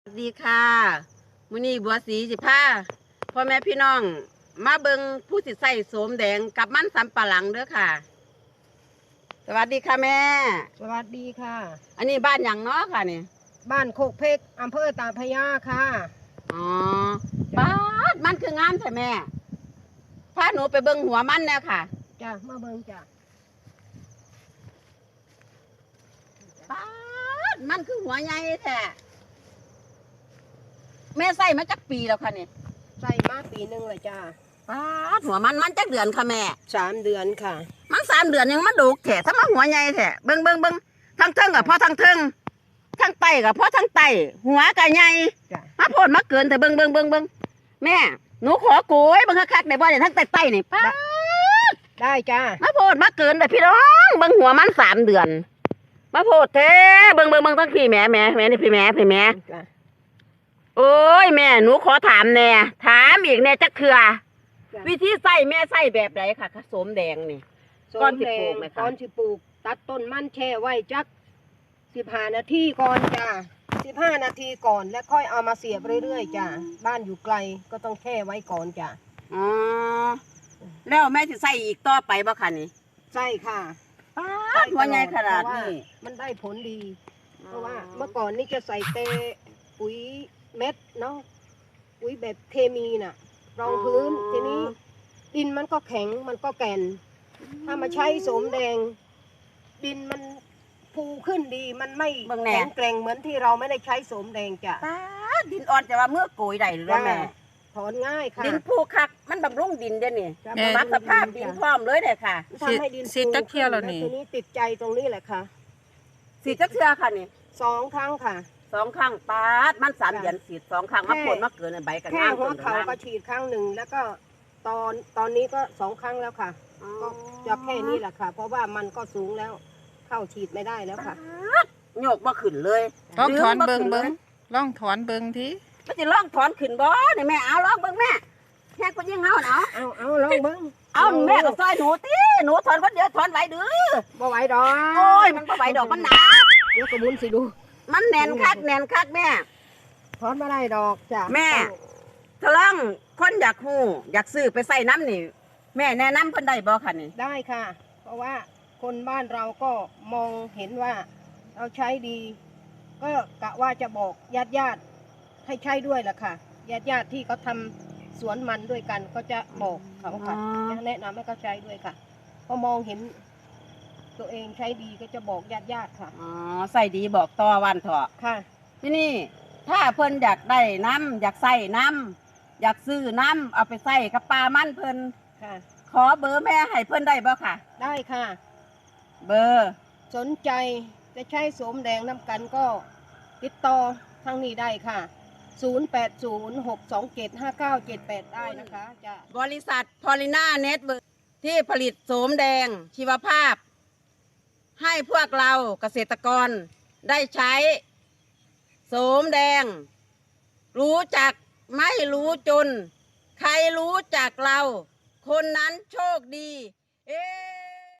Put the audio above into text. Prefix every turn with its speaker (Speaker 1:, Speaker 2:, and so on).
Speaker 1: สวัสดีค่ะมื้อนี้บัวสีสิพาพ่อแม่พี่น้องมาเบิงผู้สิใส่โสมแดงกับมันสำปะหลังเด้อค่ะ สวัสดีค่ะแม่
Speaker 2: สวัสดีค่ะ
Speaker 1: อันนี้บ้านหยังเนาะค่ะนี่
Speaker 2: บ้านโคกเพกอำเภอตาพระยาค่ะ
Speaker 1: อ๋อบ้านมันคืองามใช่แม่พาหนูไปเบิงหัวมันแน่ค่ะ
Speaker 2: จ้ะมาเบิ่งจ้ะ
Speaker 1: บ้านมันคือหัวใหญ่แท้แม่ใส่มาจักปีแล้วค่ะนี่
Speaker 2: ใส่มาปีหนึ่งเลยจ้ะ
Speaker 1: บ้านหัวมันจักเดือนค่ะแม่
Speaker 2: 3 เดือนค่ะ
Speaker 1: มัน3 เดือนยังมาดูกแถะถ้ามาหัวใหญ่แถะเบิ่งทั้งเทิงกับพ่อทั้งเทิงทั้งไตกับพ่อทั้งไตหัวกับใหญ่
Speaker 2: จ้ะ
Speaker 1: มาโพดมาเกินแต่เบิ่งแม่หนูขอโกยเบิ่งคักๆได้บ่เนี่ยทั้งไตนี่ป้าด
Speaker 2: ได้จ้ะ
Speaker 1: มาโพดมาเกินแต่พี่น้องเบิ่งหัวมัน3 เดือนมาโพดแท้เบิ่งทั้งพี่แม่นี่พี่แม่
Speaker 2: จ้ะ
Speaker 1: โอ้ยแม่หนูขอถามแน่ถามอีกแน่จักเทื่อวิธีใส่แม่ใส่แบบไหนค่ะผสมแดงนี่ ก้อนสิปลูกไหมคะ
Speaker 2: ก้อนสิปลูกตัดต้นมันแช่ไว้จัก15 นาทีก่อนจ้ะ15 นาทีก่อนแล้วค่อยเอามาเสียบเรื่อยๆจ้ะบ้านอยู่ไกลก็ต้องแช่ไว้ก่อนจ้ะ
Speaker 1: อ๋อแล้วแม่จะใส่อีกต่อไปบ่คะนี่
Speaker 2: ใช่ค่ะ
Speaker 1: ป้าดหัวใหญ่ขนาดนี้
Speaker 2: มันได้ผลดี เพราะว่าเมื่อก่อนนี่จะใส่เตปุ๋ยเม็ดเนาะปุ๋ยแบบเคมีน่ะ รองพื้นทีนี้ ดินมันก็แข็งมันก็แก่น ถ้ามาใช้โสมแดง ดินมันฟูขึ้นดีมันไม่แข็งแกร่งเหมือนที่เราไม่ได้ใช้โสมแดงจ้ะ
Speaker 1: ป้าดดินอ่อนจะว่าเมื่อโกยได้หรือว่าแม่
Speaker 2: ถอนง่ายค่ะ
Speaker 1: ดินผูคักมันบำรุงดินเด้อนี่
Speaker 2: จ้ะ
Speaker 1: ปรับสภาพดินพร้อมเลยเด้อค่ะ
Speaker 2: ทำให้ดิน
Speaker 3: สิจักเที่ยวแล้วนี่
Speaker 2: ทีนี้ติดใจตรงนี้แหละค่ะ
Speaker 1: สีจักเทื่อค่ะนี่
Speaker 2: 2 ครั้งค่ะ
Speaker 1: 2 ครั้งป้าดมัน3 เดือนสีด2 ครั้งมาผลมาเกินในใบกัน
Speaker 2: แค่
Speaker 1: งาม
Speaker 2: หัว
Speaker 1: ต้น
Speaker 2: เขา
Speaker 1: งาม
Speaker 2: ก็ฉีดครั้งหนึ่งแล้วก็ตอนนี้ก็2 ครั้งแล้วค่ะ ก็จะแค่นี้แหละค่ะ เพราะว่ามันก็สูงแล้ว เข้าฉีดไม่ได้แล้วค่ะ
Speaker 1: โยกบ่ขึ้นเลย
Speaker 3: ลองถอนเบิง
Speaker 1: ดึบ่ขึ้ลย
Speaker 3: ลองถอนเบิงที
Speaker 1: มันจะลองถอนขึ้นบ่นี่แม่เอาลองเบิ่งแม่แค่ก็ยังเอาเนาะ
Speaker 2: เอาลองเบิ้ง
Speaker 1: เอาแม่ก็ซอยหนูติหนูถอนคนเดียวถอนไหวดื้อ
Speaker 2: บ่ไหวดอก
Speaker 1: โอ้ยมันบ่ไหวดอกมันหนา
Speaker 2: เดี๋ยวกระมุนสิดู
Speaker 1: มันแน่นคักแม่
Speaker 2: ถอนไม่ได้ดอกจ้ะ
Speaker 1: แม่ ถ้าลองคนอยากฮู้อยากซื้อไปใส่น้ำนี่แม่แนะนำเพิ่นได้บ่คะนี่
Speaker 2: ได้ค่ะ เพราะว่าคนบ้านเราก็มองเห็นว่าเราใช้ดี ก็กะว่าจะบอกญาติให้ใช้ด้วยล่ะค่ะญาติที่เขาทำสวนมันด้วยกันก็จะบอกเขาค่ะจะแนะนำให้เขาใช้ด้วยค่ะพอมองเห็น ตัวเองใช้ดีก็จะบอกญาติค่ะ
Speaker 1: อ๋อใส่ดีบอกต่อวันเถอะ
Speaker 2: ค่ะ
Speaker 1: ที่นี่ถ้าเพิ่นอยากได้น้ำอยากใส่น้ำอยากซื้อน้ำเอาไปใส่กับปลามันเพิ่น
Speaker 2: ค่ะ
Speaker 1: ขอเบอร์แม่ให้เพิ่นได้บ่ค่ะ
Speaker 2: ได้ค่ะ
Speaker 1: เบอร์
Speaker 2: สนใจจะใช้โสมแดงน้ำกันก็ติดต่อทางนี้ได้ค่ะ 0806275978 ได้นะคะจะ
Speaker 1: บริษัทพอลิน่าเน็ตเวิร์กที่ผลิตโสมแดงชีวภาพ ให้พวกเราเกษตรกรได้ใช้โสมแดง รู้จักไม่รู้จน ใครรู้จักเรา คนนั้นโชคดี เอ๊